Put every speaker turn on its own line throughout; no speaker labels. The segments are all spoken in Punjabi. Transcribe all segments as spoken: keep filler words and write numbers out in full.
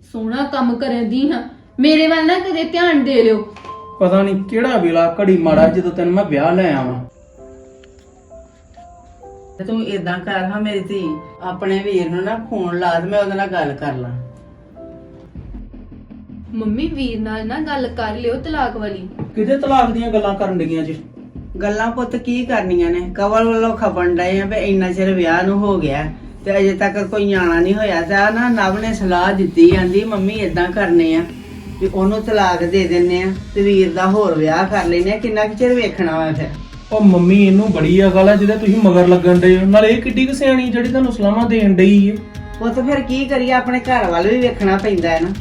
ਸੋਹਣਾ ਕੰਮ ਕਰਨ ਦੀ ਹਾਂ, ਮੇਰੇ ਵੱਲ ਨਾ ਕਦੇ ਧਿਆਨ ਦੇ ਲਿਓ।
ਪਤਾ ਨਹੀਂ ਕਿਹੜਾ ਵੇਲਾ ਘੜੀ ਮਾੜਾ ਜਦੋਂ ਤੈਨੂੰ ਮੈਂ ਵਿਆਹ ਲੈ ਆਵਾਂ।
ਤੂੰ ਇਦਾਂ ਕਰ ਹਾਂ ਮੇਰੀ ਧੀ, ਆਪਣੇ ਵੀਰ ਨੂੰ ਨਾ ਫੋਨ ਲਾ ਤੇ ਮੈਂ ਉਹਦੇ ਨਾਲ ਗੱਲ ਕਰ ਲਾਂ।
ਮੰਮੀ ਵੀਰ ਨਾਲ ਨਾ ਗੱਲ ਕਰ ਲਿਓ ਤਲਾਕ ਵਾਲੀ।
ਕਿਹਦੇ ਤਲਾਕ ਦੀਆਂ ਗੱਲਾਂ ਕਰਨ ਲੱਗੀਆਂ ਜੀ?
ਗੱਲਾਂ ਪੁੱਤ ਕੀ ਕਰਨੀਆਂ ਨੇ, ਕਵਲ ਵੱਲੋਂ ਖਪਣ ਡਏ ਆ ਵੀ ਇੰਨਾ ਚਿਰ ਵਿਆਹ ਨੂੰ ਹੋ ਗਿਆ ਤੇ ਅਜੇ ਤੱਕ ਕੋਈ ਨਿਆਣਾ ਨਹੀਂ ਹੋਇਆ। ਤਾਂ ਨਾ ਨਵ ਨੇ ਸਲਾਹ ਦਿੱਤੀ, ਆਂਦੀ ਮੰਮੀ ਇਦਾਂ ਕਰਨੇ ਆ ਵੀ ਉਹਨੂੰ ਤਲਾਕ ਦੇ ਦਿੰਨੇ ਆ ਤੇ ਵੀਰ ਦਾ ਹੋਰ ਵਿਆਹ ਕਰ ਲੈਨੇ ਆ। ਕਿੰਨਾ ਕੁ ਚਿਰ ਵੇਖਣਾ ਵਾ ਫਿਰ?
ਉਹ ਮੰਮੀ ਇਹਨੂੰ ਬੜੀ ਅਕਲ ਆ ਜਿਹਦੇ ਤੁਸੀਂ ਮਗਰ ਲੱਗਣ ਡਏ ਹੋ। ਨਾਲੇ ਇਹ ਕਿੱਡੀ ਕੁ ਸਿਆਣੀ ਜਿਹੜੀ ਤੁਹਾਨੂੰ ਸਲਾਹਾਂ ਦੇਣ ਡਈ ਏ।
ਉਹ ਤਾਂ ਫਿਰ ਕੀ ਕਰੀਏ, ਆਪਣੇ ਘਰ ਵੱਲ ਵੀ ਵੇਖਣਾ ਪੈਂਦਾ ਹੈ ਨਾ।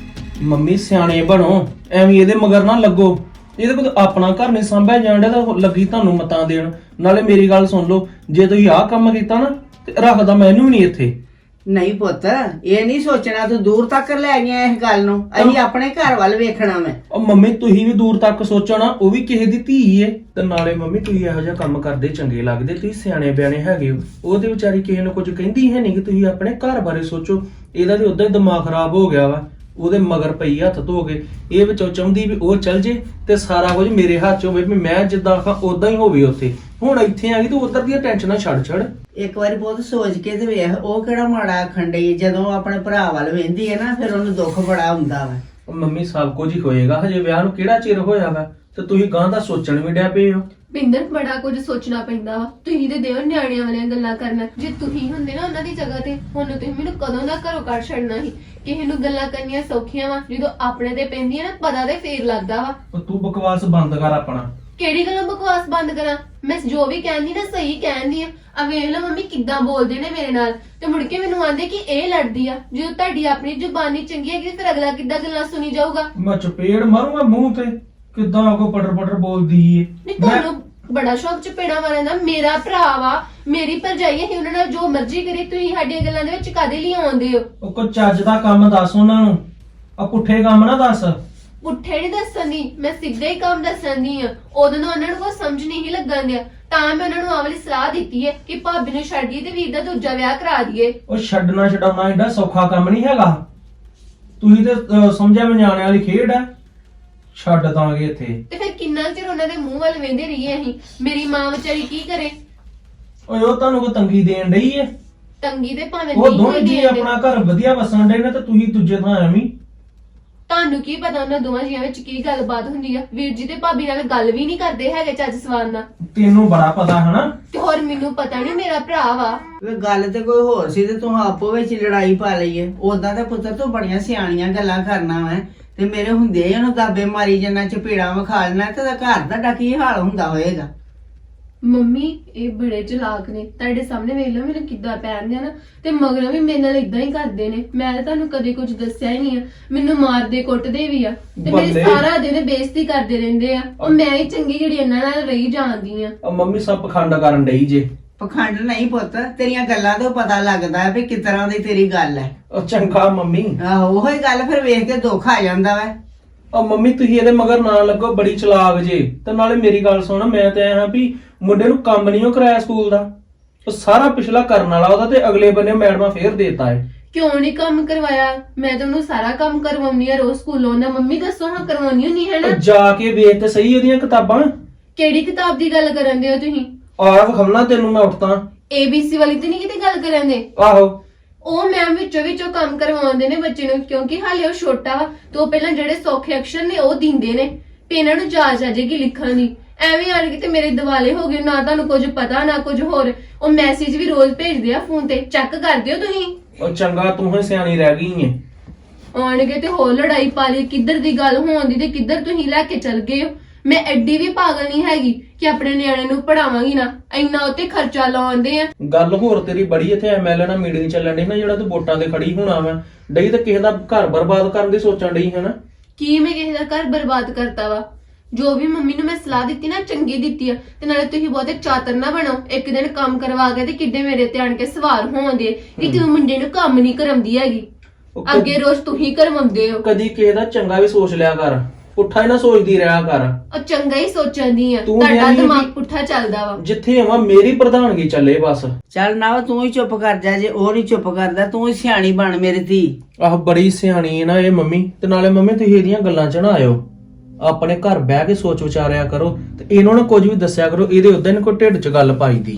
ਮੰਮੀ ਸਿਆਣੇ ਬਣੋ, ਐਵੇਂ ਇਹਦੇ ਮਗਰ ਨਾ ਲੱਗੋ। ਇਹਦੇ ਕੋਲ ਆਪਣਾ ਘਰ ਨਹੀਂ ਸੰਭਿਆ ਜਾਂਦਾ ਤਾਂ ਲੱਗੀ ਤੁਹਾਨੂੰ ਮਤਾਂ ਦੇਣ। ਨਾਲੇ ਮੇਰੀ ਗੱਲ ਸੁਣ ਲਓ, ਜੇ ਤੁਸੀਂ ਆਹ ਕੰਮ ਕੀਤਾ ਨਾ ਤੇ ਰੱਖਦਾ ਮੈਂ ਇਹਨੂੰ ਵੀ ਨਹੀਂ ਇੱਥੇ।
ਨਹੀਂ ਪੁੱਤ, ਇਹ ਨਹੀਂ ਸੋਚਣਾ, ਤੂੰ ਦੂਰ ਤੱਕ ਲੈ ਗਿਆ ਇਸ ਗੱਲ ਨੂੰ। ਅਸੀਂ ਆਪਣੇ ਘਰ ਵੱਲ ਵੇਖਣਾ ਮੈਂ।
ਉਹ ਮੰਮੀ ਤੁਸੀਂ ਵੀ ਦੂਰ ਤੱਕ ਸੋਚਣਾ, ਉਹ ਵੀ ਕਿਸੇ ਦੀ ਧੀ ਏ। ਤੇ ਨਾਲੇ ਮੰਮੀ ਤੁਸੀਂ ਇਹੋ ਜਿਹਾ ਕੰਮ ਕਰਦੇ ਚੰਗੇ ਲੱਗਦੇ, ਤੁਸੀਂ ਸਿਆਣੇ ਬਿਆਣੇ ਹੈਗੇ ਹੋ। ਉਹਦੇ ਵਿਚਾਰੀ ਕਿਸੇ ਨੂੰ ਕੁਝ ਕਹਿੰਦੀ ਹੈ ਨਹੀਂ ਕਿ ਤੁਸੀਂ ਆਪਣੇ ਘਰ ਬਾਰੇ ਸੋਚੋ। ਇਹਦਾ ਤੇ ਉਦਾਂ ਹੀ ਦਿਮਾਗ ਖਰਾਬ ਹੋ ਗਿਆ ਵਾ, ਉਹਦੇ ਮਗਰ ਪਈ ਹੱਥ ਧੋ ਕੇ। ਇਹ ਵਿੱਚੋਂ ਚਾਹੁੰਦੀ ਵੀ ਉਹ ਚੱਲ ਜੇ ਤੇ ਸਾਰਾ ਕੁਝ ਮੇਰੇ ਹੱਥ 'ਚ ਹੋਵੇ, ਵੀ ਮੈਂ ਜਿੱਦਾਂ ਆਖਾਂ ਉਦਾਂ ਹੀ ਹੋਵੇ ਉੱਥੇ। ਹੁਣ ਇੱਥੇ ਆ ਗਈ ਤੂੰ ਉਧਰ ਦੀਆਂ ਟੈਨਸ਼ਨਾਂ ਛੱਡ ਛੱਡ।
ਇੱਕ ਵਾਰੀ ਬਹੁਤ ਸੋਚ ਕੇ ਤੇ ਵੇਖ, ਉਹ ਕਿਹੜਾ ਮਾੜਾ ਆਖਣ ਡਈ। ਜਦੋਂ ਆਪਣੇ ਭਰਾ ਵੱਲ ਵੇਂਦੀ ਹੈ ਨਾ, ਫਿਰ ਉਹਨੂੰ ਦੁੱਖ ਬੜਾ ਹੁੰਦਾ ਵਾ।
ਉਹ ਮੰਮੀ ਸਭ ਕੁਝ ਹੀ ਹੋਏਗਾ, ਹਜੇ ਵਿਆਹ ਨੂੰ ਕਿਹੜਾ ਚਿਰ ਹੋਇਆ ਵਾ ਤੇ ਤੁਸੀਂ ਗਾਂ ਦਾ ਸੋਚਣ ਵੀ ਡਿਆ ਪਏ ਹੋ।
ਪਿੰਦਰ ਬੜਾ ਕੁਝ ਸੋਚਣਾ ਪੈਂਦਾ ਵਾ। ਤੁਸੀਂ ਤੇ ਦਿਓ ਨਿਆਣਿਆਂ ਵਾਲੀਆਂ ਗੱਲਾਂ ਕਰਨਾ। ਜੇ ਤੁਸੀਂ ਹੁੰਦੇ ਨਾ ਉਹਨਾਂ ਦੀ ਜਗ੍ਹਾ ਤੇ, ਹੁਣ ਤੁਸੀਂ ਮੈਨੂੰ ਕਦੋਂ ਦਾ ਘਰੋਂ ਕੱਢ ਛੱਡਣਾ ਸੀ। ਕਿਸੇ ਨੂੰ ਗੱਲਾਂ ਕਰਨੀਆਂ ਸੌਖੀਆਂ ਵਾ, ਜਦੋਂ ਆਪਣੇ ਤੇ ਪੈਂਦੀਆਂ ਨਾ ਪਤਾ ਤੇ ਫੇਰ ਲੱਗਦਾ ਵਾ।
ਉਹ ਤੂੰ ਬਕਵਾਸ ਬੰਦ ਕਰ ਆਪਣਾ।
ਕਿਹੜੀ ਗੱਲੋਂ ਬਕਵਾਸ ਬੰਦ ਕਰਾਂ? ਮੈਂ ਜੋ ਵੀ ਕਹਿੰਦੀ ਨਾ ਸਹੀ ਕਹਿੰਦੀ ਆ। ਆ ਵੇਖ ਲਓ ਮੰਮੀ ਕਿੱਦਾਂ ਬੋਲਦੇ ਨੇ ਮੇਰੇ ਨਾਲ, ਤੇ ਮੁੜ ਕੇ ਮੈਨੂੰ ਆਂਦੇ ਕਿ ਇਹ ਲੜਦੀ ਆ। ਜਦੋਂ ਤੁਹਾਡੀ ਆਪਣੀ ਜ਼ੁਬਾਨੀ ਚੰਗੀ ਹੈ ਕਿ ਫਿਰ ਅਗਲਾ ਕਿੱਦਾਂ ਗੱਲਾਂ ਸੁਣੀ ਜਾਊਗਾ।
ਮੈਂ ਚਪੇੜ ਮਾਰੂੰਗਾ ਮੂੰਹ ਤੇ। ਕਿੱਦਾਂ ਕੋ ਪਟਰ ਪਟਰ ਬੋਲਦੀ ਏ।
ਨਹੀਂ ਤੁਹਾਨੂੰ ਬੜਾ ਸ਼ੌਕ ਚਪੇੜਾ ਮਾਰਨ ਦਾ। ਮੇਰਾ ਭਰਾ ਵਾ, ਮੇਰੀ ਭਰਜਾਈ ਹੈ, ਉਹਨਾਂ ਨਾਲ ਜੋ ਮਰਜ਼ੀ ਕਰੇ। ਤੁਸੀਂ ਸਾਡੀਆਂ ਗੱਲਾਂ ਦੇ ਵਿੱਚ ਕਾਦੇ ਲਈ ਆਉਂਦੇ ਹੋ?
ਉਹ ਕੋ ਚੱਜ ਦਾ ਕੰਮ ਦੱਸ ਉਹਨਾਂ ਨੂੰ, ਆ ਪੁੱਠੇ ਕੰਮ ਨਾ ਦੱਸ।
ਪੁੱਠੇ ਨਹੀਂ ਦੱਸਣ ਦੀ, ਮੈਂ ਸਿੱਧੇ ਹੀ ਕੰਮ ਦੱਸਣ ਦੀ ਆ। ਉਦੋਂ ਨੂੰ ਉਹਨਾਂ ਨੂੰ ਕੋਈ ਸਮਝ ਨਹੀਂ ਲੱਗਣ ਦਿਆ, ਤਾਂ ਮੈਂ ਉਹਨਾਂ ਨੂੰ ਆਹ ਵਾਲੀ ਸਲਾਹ ਦਿੱਤੀ ਹੈ ਕਿ ਭਾਬੀ ਨੂੰ ਛੱਡੀਏ ਤੇ ਵੀਰ ਦਾ ਦੂਜਾ ਵਿਆਹ ਕਰਾ ਦਈਏ।
ਉਹ ਛੱਡਣਾ ਛਡਾਉਣਾ ਏਡਾ ਸੌਖਾ ਕੰਮ ਨਹੀਂ ਹੈਗਾ। ਤੁਸੀਂ ਤੇ ਅਹ, ਸਮਝਿਆ ਮੈਂ ਨਿਆਣਿਆਂ ਵਾਲੀ ਖੇਡ ਆ। ਛੱਡ ਦਾਂਗੇ ਇੱਥੇ।
ਤੇ ਫਿਰ ਕਿੰਨਾ ਚਿਰ ਉਹਨਾਂ ਦੇ ਮੂੰਹ ਵੱਲ ਵੇਂਦੇ ਰਹੀਏ ਅਸੀਂ? ਮੇਰੀ ਮਾਂ ਵਿਚਾਰੀ ਕੀ ਕਰੇ?
ਓਏ ਉਹ ਤੁਹਾਨੂੰ ਕੋ ਤੰਗੀ ਦੇਣ ਡਈ ਏ।
ਤੰਗੀ ਤੇ ਭਾਵੇਂ
ਉਹ
ਨਹੀਂ
ਦੋਵੇਂ
ਹੋਈ
ਜੀ
ਦੇਣ ਦੇ।
ਆਪਣਾ ਘਰ ਵਧੀਆ ਵਸਣ ਡੇ ਨੇ ਤੇ ਤੁਸੀਂ ਦੂਜੇ ਥਾਂ ਐਵੇਂ।
ਤੁਹਾਨੂੰ ਕੀ ਪਤਾ ਉਹਨਾਂ ਦੋਵਾਂ ਜੀਆਂ ਵਿੱਚ ਕੀ ਗੱਲਬਾਤ ਹੁੰਦੀ ਆ? ਵੀਰ ਜੀ ਤੇ ਭਾਬੀ ਨਾਲ ਗੱਲ ਵੀ ਨਹੀਂ ਕਰਦੇ ਹੈਗੇ ਚੱਜ ਸਵਾਰ ਨਾਲ।
ਤੈਨੂੰ ਬੜਾ ਪਤਾ ਹਨਾ।
ਤੇ ਹੋਰ ਮੈਨੂੰ ਪਤਾ ਨਹੀਂ, ਮੇਰਾ ਭਰਾ ਵਾ।
ਵੇ ਗੱਲ ਤੇ ਕੋਈ ਹੋਰ ਸੀ ਤੇ ਤੂੰ ਆਪੋ ਵਿੱਚ ਲੜਾਈ ਪਾ ਲਈ ਏ। ਉਦਾਂ ਤੇ ਪੁੱਤਰ ਤੂੰ ਬੜੀਆਂ ਸਿਆਣੀਆਂ ਗੱਲਾਂ ਕਰਨਾ ਵਾ, ਤੇ ਮੇਰੇ ਹੁੰਦੇ ਹੀ ਉਹਨੂੰ ਦਾਬੇ ਮਾਰੀ ਜੰਨਾ ਚਪੇੜਾ ਵਿਖਾ ਲੈਣਾ ਤੇ ਉਹਦਾ ਘਰ ਤੁਹਾਡਾ ਕੀ ਹਾਲ ਹੁੰਦਾ ਹੋਏਗਾ।
ਮੰਮੀ ਇਹ ਬੜੇ ਚਲਾਕ ਨੇ, ਤੁਹਾਡੇ ਸਾਹਮਣੇ ਵੇਖ ਲਓ ਮੈਨੂੰ ਕਿੱਦਾਂ ਪੈਣਦੇ ਆ ਨਾ, ਤੇ ਮਗਰੋਂ ਵੀ ਮੇਰੇ ਨਾਲ ਇਦਾਂ ਹੀ ਕਰਦੇ ਨੇ। ਮੈਂ ਤਾਂ ਤੁਹਾਨੂੰ ਕਦੇ ਕੁਝ ਦੱਸਿਆ ਹੀ ਨਹੀਂ ਆ। ਮੈਨੂੰ ਮਾਰਦੇ ਕੁੱਟਦੇ ਵੀ ਆ ਤੇ ਮੇਰੀ
ਬੱਲੇ।
ਸਾਰਾ ਦਿਨ ਬੇਇੱਜ਼ਤੀ ਕਰਦੇ ਰਹਿੰਦੇ ਆ। ਉਹ ਮੈਂ ਹੀ ਚੰਗੀ ਜਿਹੜੀ ਇਹਨਾਂ ਨਾਲ ਰਹੀ ਜਾਂਦੀ ਆ।
ਉਹ ਮੰਮੀ ਸਭ ਪਖੰਡ ਕਰਨ ਡਈ ਜੇ।
ਪਖੰਡ ਨਹੀਂ ਪੁੱਤ, ਤੇਰੀਆਂ ਗੱਲਾਂ ਤੋਂ ਪਤਾ ਲੱਗਦਾ ਹੈ ਵੀ ਕਿਸ ਤਰ੍ਹਾਂ ਦੀ ਤੇਰੀ ਗੱਲ ਹੈ।
ਉਹ ਚੰਗਾ ਮੰਮੀ।
ਆਹੋ ਉਹੀ ਗੱਲ ਫਿਰ ਵੇਖ ਕੇ ਦੁੱਖ ਆ ਜਾਂਦਾ ਵਾ।
ਉਹ ਮੰਮੀ ਤੁਸੀਂ ਇਹਦੇ ਮਗਰ ਨਾ ਲੱਗੋ, ਬੜੀ ਚਲਾਕ ਜੇ। ਤੇ ਨਾਲੇ ਮੇਰੀ ਗੱਲ ਸੁਣ, ਮੈਂ ਤੇ ਆਇਆ ਵੀ ਮੁੰਡੇ ਨੂੰ ਕੰਮ ਨਹੀਂ ਉਹ ਕਰਾਇਆ ਸਕੂਲ ਦਾ। ਉਹ ਸਾਰਾ ਪਿਛਲਾ ਕਰਨ ਵਾਲਾ ਉਹਦਾ, ਤੇ ਅਗਲੇ ਬੰਨੇ ਮੈਡਮਾਂ ਫੇਰ ਦੇਤਾ ਏ।
ਕਿਉਂ ਨਹੀਂ ਕੰਮ ਕਰਵਾਇਆ? ਮੈਂ ਤਾਂ ਉਹਨੂੰ ਸਾਰਾ ਕੰਮ ਕਰਵਾਉਣੀ ਆ ਰੋਜ਼ ਸਕੂਲੋਂ। ਨਾ ਮੰਮੀ ਦੱਸੋ ਹਾਂ ਕਰਵਾਉਣੀ ਨਹੀਂ ਹੈ ਨਾ?
ਉਹ ਜਾ ਕੇ ਵੇਖ ਤੇ ਸਹੀ ਉਹਦੀਆਂ ਕਿਤਾਬਾਂ।
ਕਿਹੜੀ ਕਿਤਾਬ ਦੀ ਗੱਲ ਕਰਨ ਦੇ ਹੋ ਤੁਸੀਂ?
ਆਹ ਵਿਖਾਉਣਾ ਤੈਨੂੰ ਮੈਂ ਉੱਠਦਾ।
ਏ ਬੀ ਸੀ ਵਾਲੀ ਤੇ ਨਹੀਂ ਕਿਤੇ ਗੱਲ ਕਰਨ ਦੇ?
ਆਹੋ
ਉਹ ਮੈਮ ਵਿੱਚੋਂ ਵਿੱਚੋਂ ਕੰਮ ਕਰਵਾਉਂਦੇ ਨੇ ਬੱਚੇ ਨੂੰ, ਕਿਉਂਕਿ ਹਾਲੇ ਉਹ ਛੋਟਾ ਵਾ। ਤੇ ਉਹ ਪਹਿਲਾਂ ਜਿਹੜੇ ਸੌਖੇ ਅਕਸ਼ਰ ਨੇ ਉਹ ਦਿੰਦੇ ਨੇ, ਤੇ ਇਹਨਾਂ ਨੂੰ ਜਾਚ ਆ ਜਾਏਗੀ ਲਿਖਣ ਦੀ। ਐਵੇਂ ਆਣ ਕੇ ਤੇ ਮੇਰੇ ਦਿਵਾਲੇ ਹੋ ਗਏ, ਨਾ ਤੁਹਾਨੂੰ ਕੁਝ ਪਤਾ ਨਾ ਕੁਝ ਹੋਰ। ਉਹ ਮੈਸੇਜ ਵੀ ਰੋਜ਼ ਭੇਜਦੇ ਆ ਫੋਨ ਤੇ, ਚੈੱਕ ਕਰਦੇ ਹੋ ਤੁਸੀਂ?
ਉਹ ਚੰਗਾ ਤੂੰ ਹੀ ਸਿਆਣੀ ਰਹਿ ਗਈ ਏ।
ਆਣਗੇ ਤੇ ਹੋਰ ਲੜਾਈ ਪਾ ਲਈ, ਕਿੱਧਰ ਦੀ ਗੱਲ ਹੋਣ ਦੀ ਤੇ ਕਿੱਧਰ ਤੁਸੀਂ ਲੈ ਕੇ ਚੱਲ ਗਏ ਹੋ। ਮੈਂ ਐਡੀ ਵੀ ਪਾਗਲ ਨਹੀਂ ਹੈਗੀ ਕਿ ਆਪਣੇ ਨਿਆਣੇ ਨੂੰ ਪੜਾਵਾਂਗੀ ਨਾ। ਇੰਨਾ ਉੱਤੇ ਖਰਚਾ ਲਾਉਂਦੇ ਆ।
ਗੱਲ ਹੋਰ ਤੇਰੀ ਬੜੀ ਇੱਥੇ ਐਮਐਲਏ ਨਾਲ ਮੀਟਿੰਗ ਚੱਲਣ ਡਈ ਨਾ, ਜਿਹੜਾ ਤੂੰ ਵੋਟਾਂ ਤੇ ਖੜੀ ਹੋਣਾ ਵਾ ਡਈ ਤੇ ਕਿਸੇ ਦਾ ਘਰ ਬਰਬਾਦ ਕਰਨ ਦੀ ਸੋਚਣ ਡਈ ਹੈ ਨਾ।
ਕੀ ਮੈਂ ਕਿਸੇ ਦਾ ਘਰ ਬਰਬਾਦ ਕਰਤਾ ਵਾ? ਜੋ ਵੀ ਮੰਮੀ ਨੂੰ ਮੈਂ ਸਲਾਹ ਦਿੱਤੀ ਨਾ ਚੰਗੀ ਦਿੱਤੀ ਆ। ਤੇ ਨਾਲੇ ਤੁਸੀਂ ਬਹੁਤੇ ਚਾਤਰ ਨਾ ਬਣੋ। ਇੱਕ ਦਿਨ ਕੰਮ ਕਰਵਾ ਕੇ ਤੇ ਕਿੱਡੇ ਮੇਰੇ ਤੇ ਆਣ ਕੇ ਸਵਾਰ ਹੋਣਦੇ ਕਿ ਤੂੰ ਮੁੰਡੇ ਨੂੰ ਕੰਮ ਨਹੀਂ ਕਰਵਾਉਂਦੀ ਹੈਗੀ।
ਉਹ ਕ-
ਅੱਗੇ ਰੋਜ਼ ਤੁਸੀਂ ਕਰਵਾਉਂਦੇ ਹੋ।
ਕਦੀ ਕਿਸੇ ਦਾ ਚੰਗਾ ਵੀ ਸੋਚ ਲਿਆ ਕਰ। ਪੁੱਠਾ ਹੀ ਨਾ ਸੋਚਦੀ ਰਿਹਾ ਕਰ।
ਉਹ ਚੰਗਾ ਹੀ ਸੋਚਦੀ ਆ,
ਤੂੰ
ਤੁਹਾਡਾ
ਕਹਿੰਦੀ ਆ
ਦਿਮਾਗ
ਵੀ-
ਪੁੱਠਾ ਚੱਲਦਾ ਵਾ।
ਜਿੱਥੇ ਆਵਾਂ ਮੇਰੀ ਪ੍ਰਧਾਨਗੀ ਚੱਲੇ ਬਸ।
ਚੱਲ ਨਾ ਤੂੰ ਹੀ ਚੁੱਪ ਕਰ ਜਾ, ਜੇ ਉਹ ਨਹੀਂ ਚੁੱਪ ਕਰਦਾ ਤੂੰ ਹੀ ਸਿਆਣੀ ਬਣ ਮੇਰੀ ਧੀ।
ਆਹ ਬੜੀ ਸਿਆਣੀ ਹੈ ਨਾ ਇਹ ਮੰਮੀ, ਤੇ ਨਾਲੇ ਮੰਮੀ ਤੁਸੀਂ ਇਹਦੀਆਂ ਗੱਲਾਂ ਚ ਨਾ ਆਇਓ, ਆਪਣੇ ਘਰ ਬਹਿ ਕੇ ਸੋਚ ਵਿਚਾਰਿਆ ਕਰੋ ਤੇ ਇਹਨਾਂ ਨੂੰ ਕੁਝ ਵੀ ਦੱਸਿਆ ਕਰੋ, ਇਹਦੇ ਉਦਾਂ ਹੀ ਕੋਈ ਢਿੱਡ ਚ ਗੱਲ ਪਾਈ ਦੀ।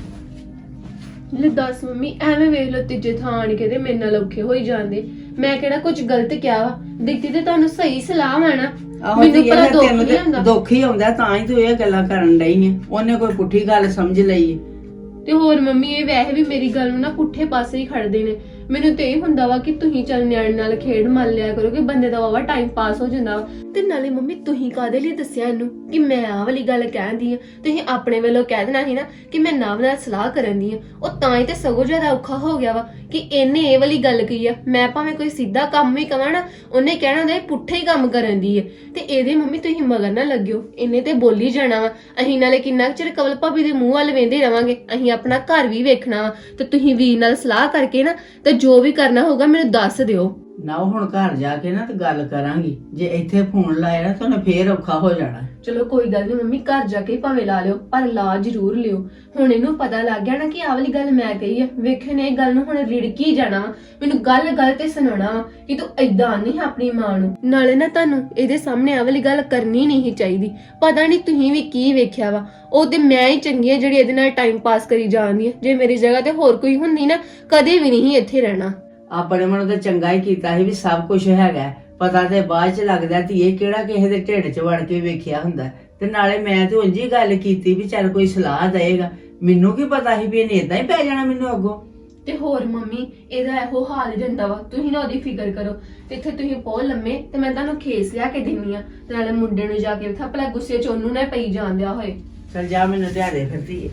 ਲੈ ਦੱਸ ਮੰਮੀ, ਐਵੇਂ ਵੇਖ ਲੋ ਤੀਜੇ ਥਾਂ ਆਣ ਕੇ ਤੇ ਮੇਰੇ ਨਾਲ ਔਖੇ ਹੋਈ ਜਾਂਦੇ। ਮੈਂ ਕਿਹੜਾ ਕੁਝ ਗਲਤ ਕਿਹਾ ਵਾ, ਦਿੱਤੀ ਤੇ ਤੁਹਾਨੂੰ ਸਹੀ ਸਲਾਹ ਆ ਨਾ।
ਆਹੋ
ਮੈਨੂੰ
ਧੀਏ,
ਭਲਾ
ਫਿਰ
ਦੁੱਖ
ਤੈਨੂੰ
ਨਹੀਂ
ਤੇ
ਹੁੰਦਾ।
ਦੁੱਖ ਹੀ ਆਉਂਦਾ ਤਾਂ ਹੀ ਤੂੰ ਇਹ ਗੱਲਾਂ ਕਰਨ ਡਈ ਹੈ। ਉਹਨੇ ਕੋਈ ਪੁੱਠੀ ਗੱਲ ਸਮਝ ਲਈ ਹੈ।
ਤੇ ਹੋਰ ਮੰਮੀ ਇਹ ਵੈਸੇ ਵੀ ਮੇਰੀ ਗੱਲ ਨੂੰ ਨਾ ਪੁੱਠੇ ਪਾਸੇ ਹੀ ਖੜਦੇ ਨੇ। ਮੈਨੂੰ ਤੇ ਇਹ ਹੁੰਦਾ ਵਾ ਕਿ ਤੁਸੀਂ ਚੱਲ ਨਿਆਣੇ ਨਾਲ ਖੇਡ ਮੰਨ ਲਿਆ ਕਰੋ ਕਿ ਬੰਦੇ ਦਾ ਵਾਵਾ ਟਾਈਮ ਪਾਸ ਹੋ ਜਾਂਦਾ ਵਾ। ਤੇ ਨਾਲੇ ਮੰਮੀ ਤੁਸੀਂ ਕਾਹਦੇ ਲਈ ਦੱਸਿਆ ਇਹਨੂੰ ਕਿ ਮੈਂ ਆਹ ਵਾਲੀ ਗੱਲ ਕਹਿੰਦੀ ਆ? ਤੁਸੀਂ ਆਪਣੇ ਵੱਲੋਂ ਕਹਿ ਦੇਣਾ ਸੀ ਨਾ ਕਿ ਮੈਂ ਨਵ ਨਾਲ ਸਲਾਹ ਕਰਨ ਦੀ ਆ। ਉਹ ਤਾਂ ਹੀ ਤੇ ਸਗੋਂ ਜ਼ਿਆਦਾ ਔਖਾ ਹੋ ਗਿਆ ਵਾ ਕਿ ਇਹਨੇ ਇਹ ਵਾਲੀ ਗੱਲ ਕਹੀ ਆ। ਮੈਂ ਭਾਵੇਂ ਕੋਈ ਸਿੱਧਾ ਕੰਮ ਵੀ ਕਵਾਂ ਨਾ, ਉਹਨੇ ਕਹਿਣਾ ਹੁੰਦਾ ਇਹ ਪੁੱਠੇ ਹੀ ਕੰਮ ਕਰਨ ਦੀ ਹੈ। ਤੇ ਇਹਦੇ ਮੰਮੀ ਤੁਸੀਂ ਮਗਰ ਨਾ ਲੱਗਿਓ, ਇਹਨੇ ਤੇ ਬੋਲੀ ਜਾਣਾ ਵਾ। ਅਸੀਂ ਨਾਲੇ ਕਿੰਨਾ ਕੁ ਚਿਰ ਕਵਲ ਭਾਬੀ ਦੇ ਮੂੰਹ ਵੱਲ ਵੇਂਦੇ ਰਵਾਂਗੇ? ਅਸੀਂ ਆਪਣਾ ਘਰ ਵੀ ਵੇਖਣਾ ਵਾ। ਤੇ ਤੁਸੀਂ ਵੀਰ ਨਾਲ ਸਲਾਹ ਕਰਕੇ ਨਾ ਤੇ ਜੋ ਵੀ ਕਰਨਾ ਹੋਊਗਾ ਮੈਨੂੰ ਦੱਸ ਦਿਓ।
ਨਾ ਉਹ ਹੁਣ ਘਰ ਜਾ ਕੇ ਨਾ ਤੇ ਗੱਲ ਕਰਾਂਗੀ। ਜੇ ਇੱਥੇ ਫੋਨ ਲਾਇਆ ਨਾ ਤਾਂ ਉਹਨੇ ਫੇਰ ਔਖਾ ਹੋ ਜਾਣਾ।
ਚਲੋ ਕੋਈ ਗੱਲ ਨਹੀਂ ਮੰਮੀ, ਘਰ ਜਾ ਕੇ ਭਾਵੇਂ ਲਾ ਲਿਓ, ਪਰ ਲਾ ਜ਼ਰੂਰ ਲਿਓ। ਹੁਣ ਇਹਨੂੰ ਪਤਾ ਲੱਗ ਗਿਆ ਨਾ ਕਿ ਆਹ ਵਾਲੀ ਗੱਲ ਮੈਂ ਕਹੀ ਆ। ਵੇਖੇ ਨੇ ਇਹ ਗੱਲ ਨੂੰ ਹੁਣ ਰਿੜਕੀ ਜਾਣਾ ਵਾ, ਮੈਨੂੰ ਗੱਲ ਗੱਲ ਤੇ ਸੁਣਾਉਣਾ ਵਾ ਕਿ ਤੂੰ ਏਦਾਂ ਨਹੀਂ ਆਪਣੀ ਮਾਂ ਨੂੰ। ਨਾਲੇ ਨਾ ਤੁਹਾਨੂੰ ਇਹਦੇ ਸਾਹਮਣੇ ਆਹ ਵਾਲੀ ਗੱਲ ਕਰਨੀ ਨਹੀਂ ਚਾਹੀਦੀ। ਪਤਾ ਨਹੀਂ ਤੁਸੀਂ ਵੀ ਕੀ ਵੇਖਿਆ ਵਾ। ਉਹ ਤੇ ਮੈਂ ਹੀ ਚੰਗੀ ਆ ਜਿਹੜੀ ਇਹਦੇ ਨਾਲ ਟਾਈਮ ਪਾਸ ਕਰੀ ਜਾਂਦੀ ਆ। ਜੇ ਮੇਰੀ ਜਗ੍ਹਾ ਤੇ ਹੋਰ ਕੋਈ ਹੁੰਦੀ ਨਾ, ਕਦੇ ਵੀ ਨਹੀਂ ਇੱਥੇ ਰਹਿਣਾ।
ਆਪਣੇ ਮਨ ਤਾਂ ਚੰਗਾ ਹੀ ਕੀਤਾ ਸੀ ਵੀ ਸਭ ਕੁਝ ਹੈਗਾ। ਪਤਾ ਤੇ ਬਾਅਦ ਚ ਲੱਗਦਾ ਧੀਏ ਕਿਹੜਾ ਕਿਸੇ ਦੇ ਢਿੱਡ ਚ ਵੜ ਕੇ ਵੇਖਿਆ ਹੁੰਦਾ। ਤੇ ਨਾਲੇ ਮੈਂ ਤੇ ਉਂਝ ਹੀ ਗੱਲ ਕੀਤੀ ਵੀ ਚੱਲ ਕੋਈ ਸਲਾਹ ਦੇਏਗਾ। ਮੈਨੂੰ ਕੀ ਪਤਾ ਸੀ ਵੀ ਇਹਨੇ ਇਦਾਂ ਹੀ ਪੈ ਜਾਣਾ ਮੈਨੂੰ ਅੱਗੋਂ।
ਤੇ ਹੋਰ ਮੰਮੀ ਇਹਦਾ ਇਹੋ ਹਾਲ ਹੀ ਰਹਿੰਦਾ ਵਾ। ਤੁਸੀਂ ਨਾ ਉਹਦੀ ਫਿਕਰ ਕਰੋ। ਤੇ ਇੱਥੇ ਤੁਸੀਂ ਬਹੁਤ ਲੰਮੇ ਤੇ ਮੈਂ ਤੁਹਾਨੂੰ ਖੇਸ ਲਿਆ ਕੇ ਦਿੰਨੀ ਆ। ਤੇ ਨਾਲੇ ਮੁੰਡੇ ਨੂੰ ਜਾ ਕੇ ਵੇਖਾ ਭਲਾ ਗੁੱਸੇ ਚ ਉਹਨੂੰ ਨਾ ਪਈ ਜਾਣ ਦਿਆ ਹੋਏ।
ਚੱਲ ਜਾ ਮੈਨੂੰ ਲਿਆ ਦੇ ਫਿਰ ਧੀਏ।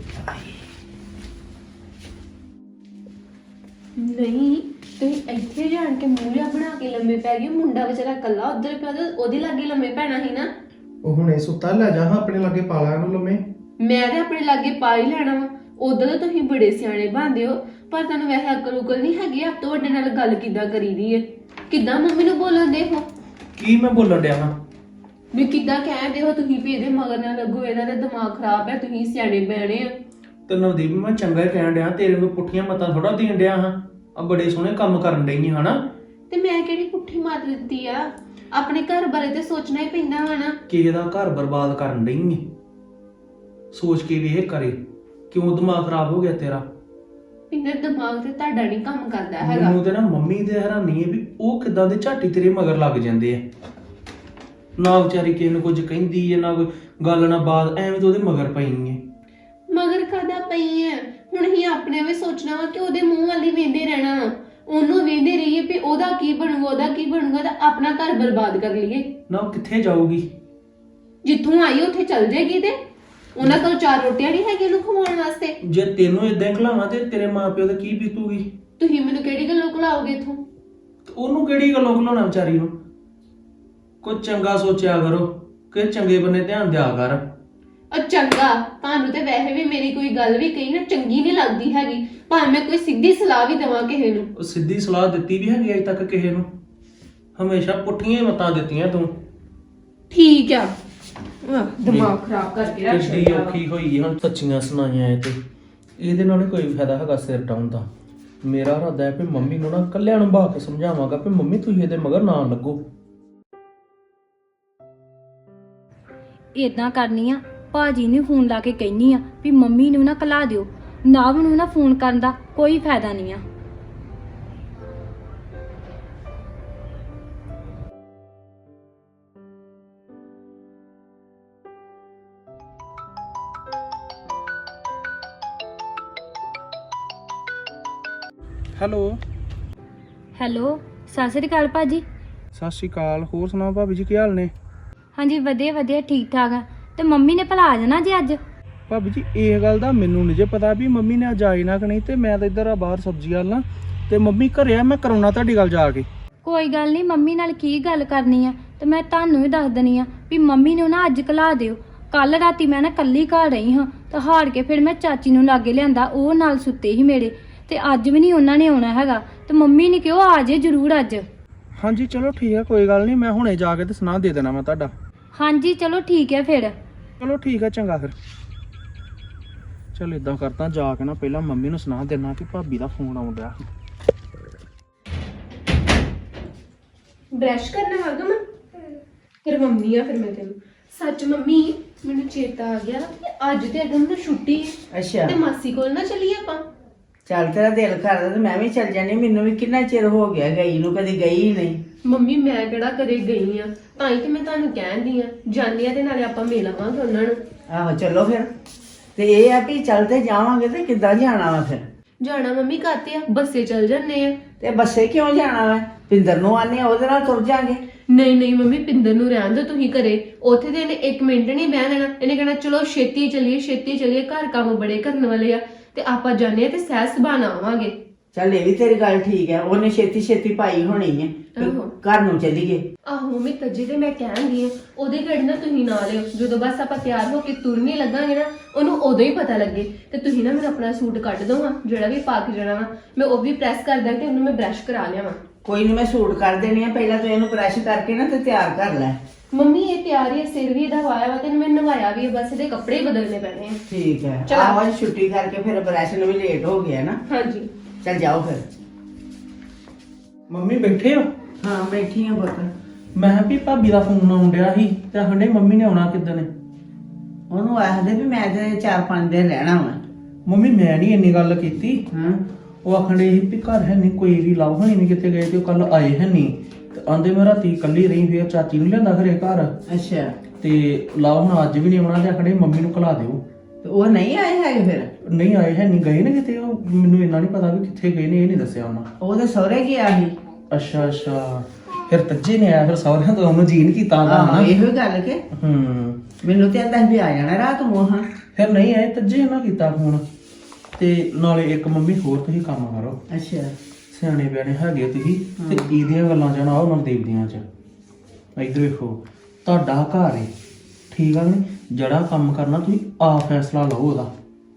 ਨਹੀਂ ਤੁਸੀਂ ਇੱਥੇ ਜਾਣ ਕੇ ਮੂੰਹ ਲਿਆ ਬਣਾ ਕੇ ਲੰਮੇ ਪੈ ਗਏ। ਮੁੰਡਾ ਵਿਚਾਰਾ ਕੱਲਾ ਉਧਰ ਪਿਆ ਤੇ ਉਹਦੇ ਲਾਗੇ ਲੰਮੇ ਪੈਣਾ ਸੀ ਨਾ।
ਉਹ ਹੁਣੇ ਸੁੱਤਾ, ਲੈ ਜਾ ਹਾਂ ਆਪਣੇ ਲਾਗੇ ਪਾ ਲਾ ਇਹਨੂੰ ਲੰਮੇ।
ਮੈਂ ਤੇ ਆਪਣੇ ਲਾਗੇ ਪਾ ਹੀ ਲੈਣਾ ਵਾ। ਉਦੋਂ ਤਾਂ ਤੁਸੀਂ ਬੜੇ ਸਿਆਣੇ ਬਣਦੇ ਹੋ, ਪਰ ਤੁਹਾਨੂੰ ਵੈਸੇ ਅਕਲ ਉਕਲ ਨਹੀਂ ਹੈਗੀ। ਆਪ ਤੁਹਾਡੇ ਨਾਲ ਗੱਲ ਕਿੱਦਾਂ ਕਰੀਦੀ ਹੈ? ਕਿੱਦਾਂ ਮੰਮੀ ਨੂੰ ਬੋਲਣ ਦੇ ਹੋ?
ਕੀ ਮੈਂ ਬੋਲਣ ਡਿਆ ਹਾਂ?
ਵੀ ਕਿੱਦਾਂ ਕਹਿੰਦੇ ਹੋ ਤੁਸੀਂ ਵੀ ਇਹਦੇ ਮਗਰ ਨਾ ਲੱਗੋ, ਇਹਦਾ ਤਾਂ ਦਿਮਾਗ ਖਰਾਬ ਹੈ, ਤੁਸੀਂ ਸਿਆਣੇ ਬਿਆਣੇ ਆ।
ਤੇ ਨਵਦੀਪ ਮੈਂ ਚੰਗਾ ਹੀ ਕਹਿਣ ਡਿਆ, ਤੇਰੇ ਨੂੰ ਪੁੱਠੀਆਂ ਮਤਾਂ ਥੋੜਾ ਦੇਣ ਡਿਆ ਹਾਂ। ਆ ਬੜੇ ਸੋਹਣੇ ਕੰਮ ਕਰਨ ਡਈ ਹਨਾ।
ਤੇ ਮੈਂ ਕਿਹੜੀ ਪੁੱਠੀ ਮੱਤ ਦਿੱਤੀ ਆ? ਆਪਣੇ ਘਰ ਬਾਰੇ ਤੇ ਸੋਚਣਾ ਹੀ ਪੈਂਦਾ ਵਾ ਨਾ।
ਕਿਸੇ ਦਾ ਘਰ ਬਰਬਾਦ ਕਰਨ ਡਈ ਏ, ਸੋਚ ਕੇ ਵੀ ਇਹ ਕਰੇ। ਕਿਉਂ ਦਿਮਾਗ ਖਰਾਬ ਹੋ ਗਿਆ ਤੇਰਾ?
ਪਿੰਦਰ ਦਿਮਾਗ ਤੇ ਤੁਹਾਡਾ ਨਹੀਂ ਕੰਮ ਕਰਦਾ ਹੈਗਾ।
ਮੈਨੂੰ ਤੇ ਨਾ ਮੰਮੀ ਦੇ ਹੈਰਾਨੀ ਹੈ ਵੀ ਉਹ ਕਿੱਦਾਂ ਦੇ ਝਾਟੀ ਤੇਰੇ ਮਗਰ ਲੱਗ ਜਾਂਦੇ ਆ। ਨਾ ਵਿਚਾਰੀ ਕਿਸੇ ਨੂੰ ਕੁਝ ਕਹਿੰਦੀ ਹੈ, ਨਾ ਕੋਈ ਗੱਲ ਨਾ ਬਾਤ, ਐਵੇਂ ਤਾਂ ਉਹਦੇ ਮਗਰ ਪਈ ਏ।
ਮਗਰ ਕਾਹਦਾ ਪਈ ਹੈ? ਹੁਣ ਹੀ ਆਪਣੇ ਵੀ ਸੋਚਣਾ ਵਾ ਕਿ ਉਹਦੇ ਮੂੰਹ ਵੱਲ ਹੀ ਵੇਂਦੇ ਰਹਿਣਾ ਵਾ। ਉਹਨੂੰ ਵੇਂਦੇ ਰਹੀਏ ਵੀ ਉਹਦਾ ਕੀ ਬਣੂਗਾ, ਉਹਦਾ ਕੀ ਬਣੂਗਾ, ਤਾਂ ਆਪਣਾ ਘਰ ਬਰਬਾਦ ਕਰ ਲਈਏ।
ਨਾ ਉਹ ਕਿੱਥੇ ਜਾਊਗੀ?
ਜਿੱਥੋਂ ਆਈ ਉੱਥੇ ਚੱਲ ਜਾਏਗੀ। ਤੇ ਉਹਨਾਂ ਕੋਲ ਚਾਰ ਰੋਟੀਆਂ ਨਹੀਂ ਹੈਗੀਆਂ ਉਹਨੂੰ ਖਵਾਉਣ ਵਾਸਤੇ।
ਜੇ ਤੈਨੂੰ ਇਦਾਂ ਖਲਾਵਾਂ ਤੇ ਤੇਰੇ ਮਾਪਿਓ ਦਾ ਕੀ ਬੀਤੂਗੀ?
ਤੁਸੀਂ ਮੈਨੂੰ ਕਿਹੜੀ ਗੱਲੋਂ ਖਲਾਓਗੇ ਇੱਥੋਂ?
ਉਹਨੂੰ ਕਿਹੜੀ ਗੱਲੋਂ ਖਲਾਉਣਾ ਵਿਚਾਰੀ ਨੂੰ? ਕੁਝ ਚੰਗਾ ਸੋਚਿਆ ਕਰੋ, ਕਿ ਚੰਗੇ ਬੰਨੇ ਧਿਆਨ ਦਿਆ ਕਰ।
ਉਹ ਚੰਗਾ, ਤੁਹਾਨੂੰ ਤੇ ਵੈਸੇ ਵੀ ਮੇਰੀ ਕੋਈ ਗੱਲ ਵੀ ਕਹੀ ਨਾ ਚੰਗੀ ਨਹੀਂ ਲੱਗਦੀ ਹੈਗੀ, ਭਾਵੇਂ ਮੈਂ ਕੋਈ ਸਿੱਧੀ ਸਲਾਹ ਵੀ ਦੇਵਾਂ ਕਿਸੇ ਨੂੰ।
ਉਹ ਸਿੱਧੀ ਸਲਾਹ ਦਿੱਤੀ ਵੀ ਹੈਗੀ ਅਜੇ ਤੱਕ ਕਿਸੇ ਨੂੰ? ਹਮੇਸ਼ਾ ਪੁੱਠੀਆਂ ਹੀ ਮਤਾਂ ਦਿੱਤੀਆਂ ਤੂੰ।
ਠੀਕ ਆ, ਆਹ, ਦਿਮਾਗ ਖਰਾਬ ਕਰਕੇ ਰੱਖ
ਕਿੱਡੀ
ਛੱਡਿਆ ਵਾ।
ਔਖੀ ਹੋਈ ਹੁਣ ਸੱਚੀਆਂ ਸੁਣਾਈਆਂ ਇਹ ਤੇ ਇਹਦੇ ਨਾਲ ਨੀ ਕੋਈ ਫਾਇਦਾ ਹੈਗਾ ਸਿਰ ਡਾਉਣ ਦਾ। ਮੇਰਾ ਇਰਾਦਾ ਹੈ ਵੀ ਮੰਮੀ ਨੂੰ ਨਾ ਕੱਲਿਆਂ ਨੂੰ ਬਾ ਕੇ ਸਮਝਾਵਾਂਗਾ ਵੀ ਮੰਮੀ ਤੁਸੀਂ ਇਹਦੇ ਮਗਰ ਨਾ ਲੱਗੋ।
ਇਦਾਂ ਕਰਨੀ ਆ, ਭਾਜੀ ਨੂੰ ਫੋਨ ਲਾ ਕੇ ਕਹਿਨੀ ਆ ਵੀ ਮੰਮੀ ਨੂੰ ਨਾ ਕਲਾ ਦਿਓ। ਨਵ ਨੂੰ ਨਾ ਫੋਨ ਕਰਨ ਦਾ ਕੋਈ ਫਾਇਦਾ ਨਹੀਂ ਆ।
ਹੈਲੋ।
ਹੈਲੋ, ਸਤਿ ਸ੍ਰੀ ਅਕਾਲ ਭਾਜੀ।
ਸਤਿ ਸ਼੍ਰੀ ਅਕਾਲ। ਹੋਰ ਸੁਣਾਓ ਭਾਬੀ ਜੀ, ਕੀ ਹਾਲ ਨੇ?
ਹਾਂਜੀ ਵਧੀਆ ਵਧੀਆ, ਠੀਕ ਠਾਕ ਆ। ਤੇ ਮੰਮੀ ਨੇ ਭਲਾ ਆ ਜਾਣਾ ਜੀ ਅੱਜ?
ਭਾਬੀ ਜੀ ਇਹ ਗੱਲ ਦਾ ਮੈਨੂੰ ਨਹੀਂ ਜੇ ਪਤਾ ਵੀ ਮੰਮੀ ਨੇ ਅੱਜ ਆਈ ਨਾ ਕਿ ਨਹੀਂ। ਤੇ ਮੈਂ ਤਾਂ ਇੱਧਰ ਆ ਬਾਹਰ ਸਬਜ਼ੀ ਵਾਲ ਨਾ, ਤੇ ਮੰਮੀ ਘਰੇ ਆ, ਮੈਂ ਕਰਾਉਣਾ ਤੁਹਾਡੀ ਗੱਲ ਜਾ ਕੇ।
ਕੋਈ ਗੱਲ ਨਹੀਂ, ਮੰਮੀ ਨਾਲ ਕੀ ਗੱਲ ਕਰਨੀ ਆ ਤੇ ਮੈਂ ਤੁਹਾਨੂੰ ਵੀ ਦੱਸ ਦਣੀ ਆ ਵੀ ਮੰਮੀ ਨੂੰ ਨਾ ਅੱਜ ਕਲਾ ਦਿਓ। ਕੱਲ ਰਾਤੀ ਮੈਂ ਨਾ ਕੱਲੀ ਘਰ ਰਹੀ ਹਾਂ ਤੇ ਹਾਰ ਕੇ ਫਿਰ ਮੈਂ ਚਾਚੀ ਨੂੰ ਲਾਗੇ ਲਿਆਂਦਾ, ਉਹ ਨਾਲ ਸੁੱਤੇ ਸੀ ਮੇਰੇ। ਤੇ ਅੱਜ ਵੀ ਨਹੀਂ ਉਹਨਾਂ ਨੇ ਆਉਣਾ ਹੈਗਾ, ਤੇ ਮੰਮੀ ਨੇ ਕਿਹਾ ਆ ਜੇ ਜ਼ਰੂਰ ਅੱਜ।
ਹਾਂਜੀ ਚਲੋ ਠੀਕ ਹੈ, ਕੋਈ ਗੱਲ ਨਹੀਂ, ਮੈਂ ਹੁਣੇ ਜਾ ਕੇ ਤੇ ਸੁਣਾ ਦੇ ਦੇਣਾ ਮੈਂ ਤੁਹਾਡਾ।
ਹਾਂਜੀ ਚਲੋ ਠੀਕ ਹੈ ਫਿਰ।
ਚਲੋ ਠੀਕ ਹੈ, ਚੰਗਾ ਫਿਰ। ਚਲ ਇਦਾਂ ਕਰਦਾ, ਜਾ ਕੇ ਨਾ ਪਹਿਲਾਂ ਮੰਮੀ ਨੂੰ ਸੁਣਾ ਦੇਣਾ ਕਿ ਭਾਬੀ ਦਾ ਫੋਨ ਆਉਣ ਡਿਆ।
ਬ੍ਰਸ਼ ਕਰਨਾ ਹੈਗਾ ਮੈਂ ਫਿਰ ਮੰਮੀ ਆ, ਫਿਰ ਮੈਂ ਤੈਨੂੰ ਸੱਚ ਮੰਮੀ ਮੈਨੂੰ ਚੇਤਾ ਆ ਗਿਆ ਕਿ ਅੱਜ ਤੇ ਅਗਮ ਨੂੰ ਛੁੱਟੀ ਹੈ
ਅੱਛਾ
ਤੇ ਮਾਸੀ ਕੋਲ ਨਾ ਚੱਲੀਏ ਆਪਾਂ।
ਚੱਲ ਤੇਰਾ ਦਿਲ ਕਰਦਾ ਤੇ ਮੈਂ ਵੀ ਚੱਲ ਜਾਣੀ, ਮੈਨੂੰ ਵੀ ਕਿੰਨਾ ਚਿਰ ਹੋ ਗਿਆ ਗਈ ਨੂੰ, ਕਦੀ ਗਈ ਹੀ ਨਹੀਂ।
ਮੰਮੀ ਮੈਂ ਕਿਹੜਾ ਕਦੇ ਗਈ ਆ, ਤਾਂ ਹੀ ਤੇ ਮੈਂ ਤੁਹਾਨੂੰ ਕਹਿੰਦੀ ਆ ਜਾਂਦੀ ਆ ਤੇ ਨਾਲੇ ਆਪਾਂ ਮਿਲ ਆਵਾਂਗੇ ਉਹਨਾਂ ਨੂੰ।
ਆਹੋ ਚਲੋ ਫਿਰ। ਤੇ ਇਹ ਆ ਵੀ ਚੱਲ ਤੇ ਜਾਵਾਂਗੇ ਤੇ ਕਿੱਦਾਂ ਜਾਣਾ ਵਾ ਫਿਰ?
ਜਾਣਾ ਮੰਮੀ ਕਾਤੇ ਆ, ਬੱਸੇ ਚੱਲ ਜੰਨੇ ਆ।
ਤੇ ਬੱਸੇ ਕਿਉਂ ਜਾਣਾ ਵਾ? ਪਿੰਦਰ ਨੂੰ ਆਨੇ ਆ, ਉਹਦੇ ਨਾਲ ਤੁਰ ਜਾਾਂਗੇ।
ਨਹੀਂ ਨਹੀਂ ਮੰਮੀ, ਪਿੰਦਰ ਨੂੰ ਰਹਿਣ ਦਿਓ ਤੁਸੀਂ ਘਰੇ। ਉੱਥੇ ਤੇ ਇਹਨੇ ਇੱਕ ਮਿੰਟ ਨਹੀਂ ਬਹਿ ਦੇਣਾ, ਇਹਨੇ ਕਹਿਣਾ ਚਲੋ ਛੇਤੀ ਚੱਲੀਏ ਛੇਤੀ ਚੱਲੀਏ, ਘਰ ਕੰਮ ਬੜੇ ਕਰਨ ਵਾਲੇ ਆ ਤੇ ਆਪਾਂ ਜਾਂਦੇ ਆ ਤੇ ਸਹਿ ਸੁਭਾਣਾ ਆਵਾਂਗੇ।
ਚੱਲ ਇਹ ਵੀ ਤੇਰੀ ਗੱਲ ਠੀਕ ਹੈ, ਉਹਨੇ ਛੇਤੀ ਛੇਤੀ ਪਾਈ ਹੋਣੀ ਹੈ ਵੀ
ਆਹੋ।
ਘਰ ਨੂੰ ਚੱਲੀਏ।
ਆਹੋ ਮੰਮੀ ਤੱਜੇ ਤੇ ਮੈਂ ਕਹਿੰਦੀ ਆ ਉਹਦੇ ਘੜੀ ਨਾ ਤੁਸੀਂ ਨਾ ਲਿਓ, ਜਦੋਂ ਬਸ ਆਪਾਂ ਤਿਆਰ ਹੋ ਕੇ ਤੁਰਨੀ ਲੱਗਾਂਗੇ ਨਾ ਉਹਨੂੰ ਉਦੋਂ ਹੀ ਪਤਾ ਲੱਗੇ। ਤੇ ਤੁਸੀਂ ਨਾ ਮੈਨੂੰ ਆਪਣਾ ਸੂਟ ਕੱਢ ਦੋ ਹਾਂ, ਜਿਹੜਾ ਵੀ ਪਾ ਕੇ ਜਾਣਾ ਵਾ ਮੈਂ ਉਹ ਵੀ ਪ੍ਰੈਸ ਕਰ ਦਾਂ ਤੇ ਉਹਨੂੰ ਮੈਂ ਬ੍ਰਸ਼ ਕਰਾ ਲਿਆਵਾਂ।
ਕੋਈ ਨਹੀਂ, ਮੈਂ ਸੂਟ ਕਰ ਦੇਣੀ ਆ, ਪਹਿਲਾਂ ਤੂੰ ਇਹਨੂੰ ਬ੍ਰਸ਼ ਕਰਕੇ ਨਾ ਤੇ ਤਿਆਰ ਕਰ ਲੈ।
ਮੰਮੀ ਇਹ ਤਿਆਰ ਹੀ ਆ, ਸਿਰ ਵੀ ਇਹਦਾ ਵਾਇਆ ਵਾ ਤੇ ਮੈਂ ਨਵਾਇਆ ਵੀ ਆ, ਬਸ ਇਹਦੇ ਕੱਪੜੇ ਹੀ ਬਦਲਨੇ ਪੈਣੇ ਆ।
ਠੀਕ ਹੈ,
ਚਲੋ।
ਆਹੋ ਅੱਜ ਛੁੱਟੀ ਕਰਕੇ ਫਿਰ ਬ੍ਰਸ਼ ਨੂੰ ਵੀ ਲੇਟ ਹੋ ਗਿਆ ਨਾ।
ਹਾਂਜੀ
ਚੱਲ ਜਾਓ ਫਿਰ।
ਮੰਮੀ ਬੈਠੇ ਹੋ?
ਹਾਂ ਬੈਠੀ ਆ ਪੁੱਤ।
ਮੈਂ ਕਿਹਾ ਵੀ ਭਾਬੀ ਦਾ ਫੋਨ ਆਉਣ ਡਿਆ ਸੀ ਤੇ ਹੰਡੇ ਮੰਮੀ ਨੇ ਆਉਣਾ ਕਿੱਦਣ?
ਉਹਨੂੰ ਆਖਦੇ ਵੀ ਮੈਂ ਤੇ ਚਾਰ ਪੰਜ ਦਿਨ ਰਹਿਣਾ ਵਾ।
ਮੰਮੀ ਮੈਂ ਨਹੀਂ ਇੰਨੀ ਗੱਲ ਕੀਤੀ।
ਹਾਂ
ਉਹ ਆਖਣ ਡੇ ਸੀ ਵੀ ਘਰ ਹੈ ਨਹੀਂ ਕੋਈ ਵੀ, ਲਵ ਹੋਣੀ ਨਹੀਂ ਕਿਤੇ ਗਏ ਤੇ ਉਹ ਕੱਲ ਆਏ ਹੈ ਨਹੀਂ ਤੇ ਆਂਦੇ ਮੈਂ ਰਾਤੀ ਇਕੱਲੀ ਰਹੀ, ਫਿਰ ਚਾਚੀ ਨੂੰ ਲਿਆਂਦਾ ਘਰੇ ਘਰ
ਅੱਛਾ।
ਤੇ ਲਵ ਹੁਣ ਅੱਜ ਵੀ ਨਹੀਂ ਆਉਣਾ ਤੇ ਆਖਣ ਡੇ ਮੰਮੀ ਨੂੰ ਘਲਾ ਦਿਓ।
ਤੇ ਉਹ ਨਹੀਂ ਆਏ ਹੈਗੇ ਫਿਰ?
ਨਹੀਂ ਆਏ ਹੈ ਨਹੀਂ, ਗਏ ਨੇ ਕਿਤੇ, ਉਹ ਮੈਨੂੰ ਇੰਨਾ ਨਹੀਂ ਪਤਾ ਵੀ ਕਿੱਥੇ ਗਏ ਨੇ, ਇਹ ਨਹੀਂ ਦੱਸਿਆ ਉਹਨਾਂ।
ਉਹਦੇ ਸਹੁਰੇ ਗਿਆ ਸੀ।
ਅੱਛਾ ਅੱਛਾ, ਫਿਰ ਤੱਜੇ ਨੇ ਆਇਆ, ਫਿਰ ਸਹੁਰਿਆਂ ਤੋਂ ਉਹਨੂੰ ਜੀਨ ਕੀਤਾ ਦਾ
ਆਹੋ
ਹਨਾ।
ਇਹੋ ਗੱਲ ਕਿ
ਹੂੰ,
ਮੈਨੂੰ ਤੇ ਆਂਦਾ ਵੀ ਆ ਜਾਣਾ ਰਾਤ ਨੂੰ। ਹਾਂ
ਫਿਰ ਨਹੀਂ ਆਏ, ਤੱਜੇ ਉਹਨਾਂ ਕੀਤਾ ਫੋਨ। ਤੇ ਨਾਲੇ ਇੱਕ ਮੰਮੀ ਹੋਰ ਤੁਸੀਂ ਕੰਮ ਕਰੋ,
ਅੱਛਾ।
ਸਿਆਣੇ ਬਿਆਣੇ ਹੈਗੇ ਤੁਸੀਂ ਤੇ ਇਹਦੀਆਂ ਗੱਲਾਂ ਚ ਨਾ ਆਓ ਨਵਦੀਪ ਦੀਆਂ ਚ। ਇੱਧਰ ਵੇਖੋ, ਤੁਹਾਡਾ ਘਰ ਹੈ ਠੀਕ ਆ ਨੀ, ਜਿਹੜਾ ਕੰਮ ਕਰਨਾ ਤੁਸੀਂ ਆਪ ਫੈਸਲਾ ਲਓ ਉਹਦਾ।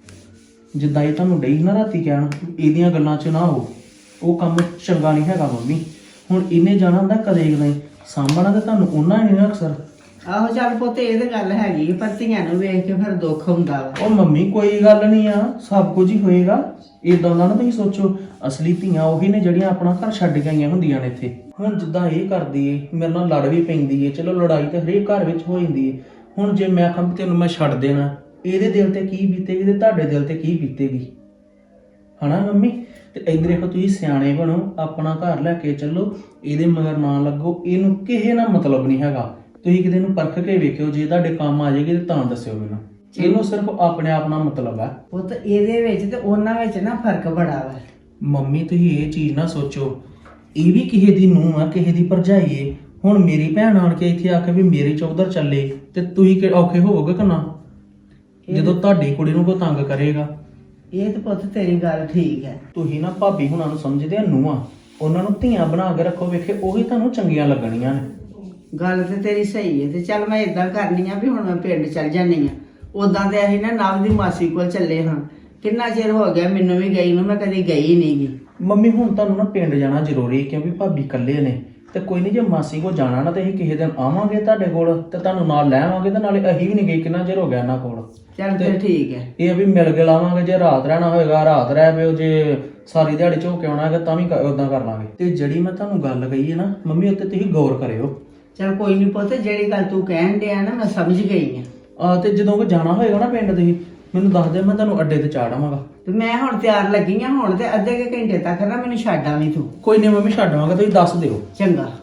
ਜਿੱਦਾਂ ਇਹ ਤੁਹਾਨੂੰ ਡਈ ਨਾ ਰਾਤੀ ਕਹਿਣ ਇਹਦੀਆਂ ਗੱਲਾਂ ਚ ਨਾ ਆਓ, ਉਹ ਕੰਮ ਚੰਗਾ ਨਹੀਂ ਹੈਗਾ ਮੰਮੀ। ਹੁਣ ਇਹਨੇ ਜਾਣਾ ਹੁੰਦਾ ਕਦੇ ਨਹੀਂ, ਸਾਂਭਣਾ ਤੇ ਤੁਹਾਨੂੰ ਉਹਨਾਂ ਹੀ ਨਹੀਂ ਨਾ ਅਕਸਰ।
ਆਹੋ ਚੱਲ ਪੁੱਤ ਇਹ ਤੇ ਗੱਲ ਹੈਗੀ ਆ, ਪਰ ਧੀਆਂ ਨੂੰ ਵੇਖ ਕੇ ਫਿਰ ਦੁੱਖ ਹੁੰਦਾ ਵਾ।
ਉਹ ਮੰਮੀ ਕੋਈ ਗੱਲ ਨਹੀਂ ਆ, ਸਭ ਕੁਝ ਹੀ ਹੋਏਗਾ। ਏਦਾਂ ਦਾ ਨਾ ਤੁਸੀਂ ਸੋਚੋ, ਅਸਲੀ ਧੀਆਂ ਉਹੀ ਨੇ ਜਿਹੜੀਆਂ ਆਪਣਾ ਘਰ ਛੱਡ ਕੇ ਆਈਆਂ ਹੁੰਦੀਆਂ ਨੇ ਇੱਥੇ। ਹੁਣ ਜਿੱਦਾਂ ਇਹ ਕਰਦੀ ਏ, ਮੇਰੇ ਨਾਲ ਲੜ ਵੀ ਪੈਂਦੀ ਏ, ਚਲੋ ਲੜਾਈ ਤਾਂ ਹਰੇਕ ਘਰ ਵਿੱਚ ਹੋ ਜਾਂਦੀ ਏ। ਹੁਣ ਜੇ ਮੈਂ ਕਹਾਂ ਤੈਨੂੰ ਮੈਂ ਛੱਡ ਦੇਣਾ, ਇਹਦੇ ਦਿਲ ਤੇ ਕੀ ਬੀਤੇਗੀ ਤੇ ਤੁਹਾਡੇ ਦਿਲ ਤੇ ਕੀ ਬੀਤੇਗੀ, ਹਨਾ ਮੰਮੀ? ਤੇ ਇੱਧਰ ਦੇਖੋ, ਤੁਸੀਂ ਸਿਆਣੇ ਬਣੋ, ਆਪਣਾ ਘਰ ਲੈ ਕੇ ਚੱਲੋ, ਇਹਦੇ ਮਗਰ ਨਾ ਲੱਗੋ। ਇਹਨੂੰ ਕਿਸੇ ਨਾਲ ਮਤਲਬ ਨਹੀਂ ਹੈਗਾ। ਤੁਸੀਂ ਕਿਤੇ ਨੂੰ ਪਰਖ ਕੇ ਵੇਖਿਓ, ਜੇ ਤੁਹਾਡੇ ਕੰਮ ਆ ਜਾਏਗੀ ਤੇ ਤਾਂ ਦੱਸਿਓ ਮੈਨੂੰ। ਇਹਨੂੰ ਸਿਰਫ ਆਪਣੇ ਆਪ ਨਾਲ ਮਤਲਬ ਹੈ।
ਪੁੱਤ ਇਹਦੇ ਵਿੱਚ ਤੇ ਉਹਨਾਂ ਵਿੱਚ ਨਾ ਫਰਕ ਬੜਾ ਵਾ।
ਮੰਮੀ ਤੁਸੀਂ ਇਹ ਚੀਜ਼ ਨਾ ਸੋਚੋ, ਇਹ ਵੀ ਕਿਸੇ ਦੀ ਨੂੰਹ ਆ, ਕਿਸੇ ਦੀ ਭਰਜਾਈ ਏ। ਹੁਣ ਮੇਰੀ ਭੈਣ ਆਣ ਕੇ ਇੱਥੇ ਆ ਕੇ ਵੀ ਮੇਰੇ ਚੌਧਰ ਚੱਲੇ ਤੇ ਤੁਸੀਂ ਕਿ ਔਖੇ ਹੋਵੋਗੇ ਕਿ ਨਾ, ਜਦੋਂ ਤੁਹਾਡੀ ਕੁੜੀ ਨੂੰ ਕੋਈ ਤੰਗ ਕਰੇਗਾ?
ਇਹ ਤਾਂ ਪੁੱਤ ਤੇਰੀ ਗੱਲ ਠੀਕ ਹੈ।
ਤੁਸੀਂ ਨਾ ਭਾਬੀ ਹੁਣਾਂ ਨੂੰ ਸਮਝਦੇ ਆ ਨੂੰਹਾਂ, ਉਹਨਾਂ ਨੂੰ ਧੀਆਂ ਬਣਾ ਕੇ ਰੱਖੋ, ਵੇਖੇ ਉਹੀ ਤੁਹਾਨੂੰ ਚੰਗੀਆਂ ਲੱਗਣੀਆਂ ਨੇ।
ਗੱਲ ਤੇ ਤੇਰੀ ਸਹੀ ਹੈ। ਤੇ ਚੱਲ ਮੈਂ ਇਦਾਂ ਕਰਨੀ ਆ ਵੀ ਹੁਣ ਮੈਂ ਪਿੰਡ ਚੱਲ ਜਾਨੀ ਆ। ਉਦਾਂ ਤੇ ਅਸੀਂ ਨਾ ਨਵ ਦੀ ਮਾਸੀ ਕੋਲ ਚੱਲੇ ਹਾਂ, ਕਿੰਨਾ ਚਿਰ ਹੋ ਗਿਆ ਮੈਨੂੰ ਵੀ ਗਈ ਨੂੰ, ਮੈਂ ਕਦੀ ਗਈ ਨਹੀਂ ਗੀ।
ਮੰਮੀ ਹੁਣ ਤੁਹਾਨੂੰ ਨਾ ਪਿੰਡ ਜਾਣਾ ਜ਼ਰੂਰੀ, ਕਿਉਂਕਿ ਭਾਬੀ ਇਕੱਲੇ ਨੇ। ਤੇ ਕੋਈ ਨਹੀਂ, ਜੇ ਮਾਸੀ ਕੋਲ ਜਾਣਾ ਨਾ ਤੇ ਅਸੀਂ ਕਿਸੇ ਦਿਨ ਆਵਾਂਗੇ ਤੁਹਾਡੇ ਕੋਲ ਤੇ ਤੁਹਾਨੂੰ ਨਾਲ ਲੈ ਆਵਾਂਗੇ, ਤੇ ਨਾਲੇ ਅਸੀਂ ਵੀ ਨਹੀਂ ਗਏ, ਕਿੰਨਾ ਚਿਰ ਹੋ ਗਿਆ ਇਹਨਾਂ ਕੋਲ।
ਚੱਲ ਫਿਰ ਠੀਕ ਹੈ।
ਇਹ ਵੀ ਮਿਲ ਕੇ ਲਾਵਾਂਗੇ, ਜੇ ਰਾਤ ਰਹਿਣਾ ਹੋਏਗਾ ਰਾਤ ਰਹਿ ਪਿਓ, ਜੇ ਸਾਰੀ ਦਿਹਾੜੀ ਝੋ ਕੇ ਆਉਣਾ ਹੈਗਾ ਤਾਂ ਵੀ ਉਦਾਂ ਕਰ ਲਾਂਗੇ। ਤੇ ਜਿਹੜੀ ਮੈਂ ਤੁਹਾਨੂੰ ਗੱਲ ਕਹੀ ਹੈ ਨਾ ਮੰਮੀ, ਉੱਤੇ ਤੁਸੀਂ ਗੌਰ ਕਰਿਓ।
ਚੱਲ ਕੋਈ ਨਹੀਂ ਪੁੱਤ, ਜਿਹੜੀ ਗੱਲ ਤੂੰ ਕਹਿਣ ਡਿਆ ਨਾ ਮੈਂ ਸਮਝ ਗਈ ਆ।
ਆ ਤੇ ਜਦੋਂ ਕੋ ਜਾਣਾ ਹੋਏਗਾ ਨਾ ਪਿੰਡ, ਤੁਸੀਂ ਮੈਨੂੰ ਦੱਸ ਦਿਓ, ਮੈਂ ਤੁਹਾਨੂੰ ਅੱਡੇ ਤੇ ਚਾੜ ਆਵਾਂਗਾ।
ਤੇ ਮੈਂ ਹੁਣ ਤਿਆਰ ਲੱਗੀ ਆ, ਹੁਣ ਤੇ ਅੱਧੇ ਕੁ ਘੰਟੇ ਤੱਕ ਨਾ ਮੈਨੂੰ ਛੱਡ ਆਵੀਂ ਤੂੰ।
ਕੋਈ ਨਹੀਂ ਮੰਮੀ, ਛੱਡ ਆਵਾਂਗਾ, ਤੁਸੀਂ ਦੱਸ ਦਿਓ।
ਚੰਗਾ।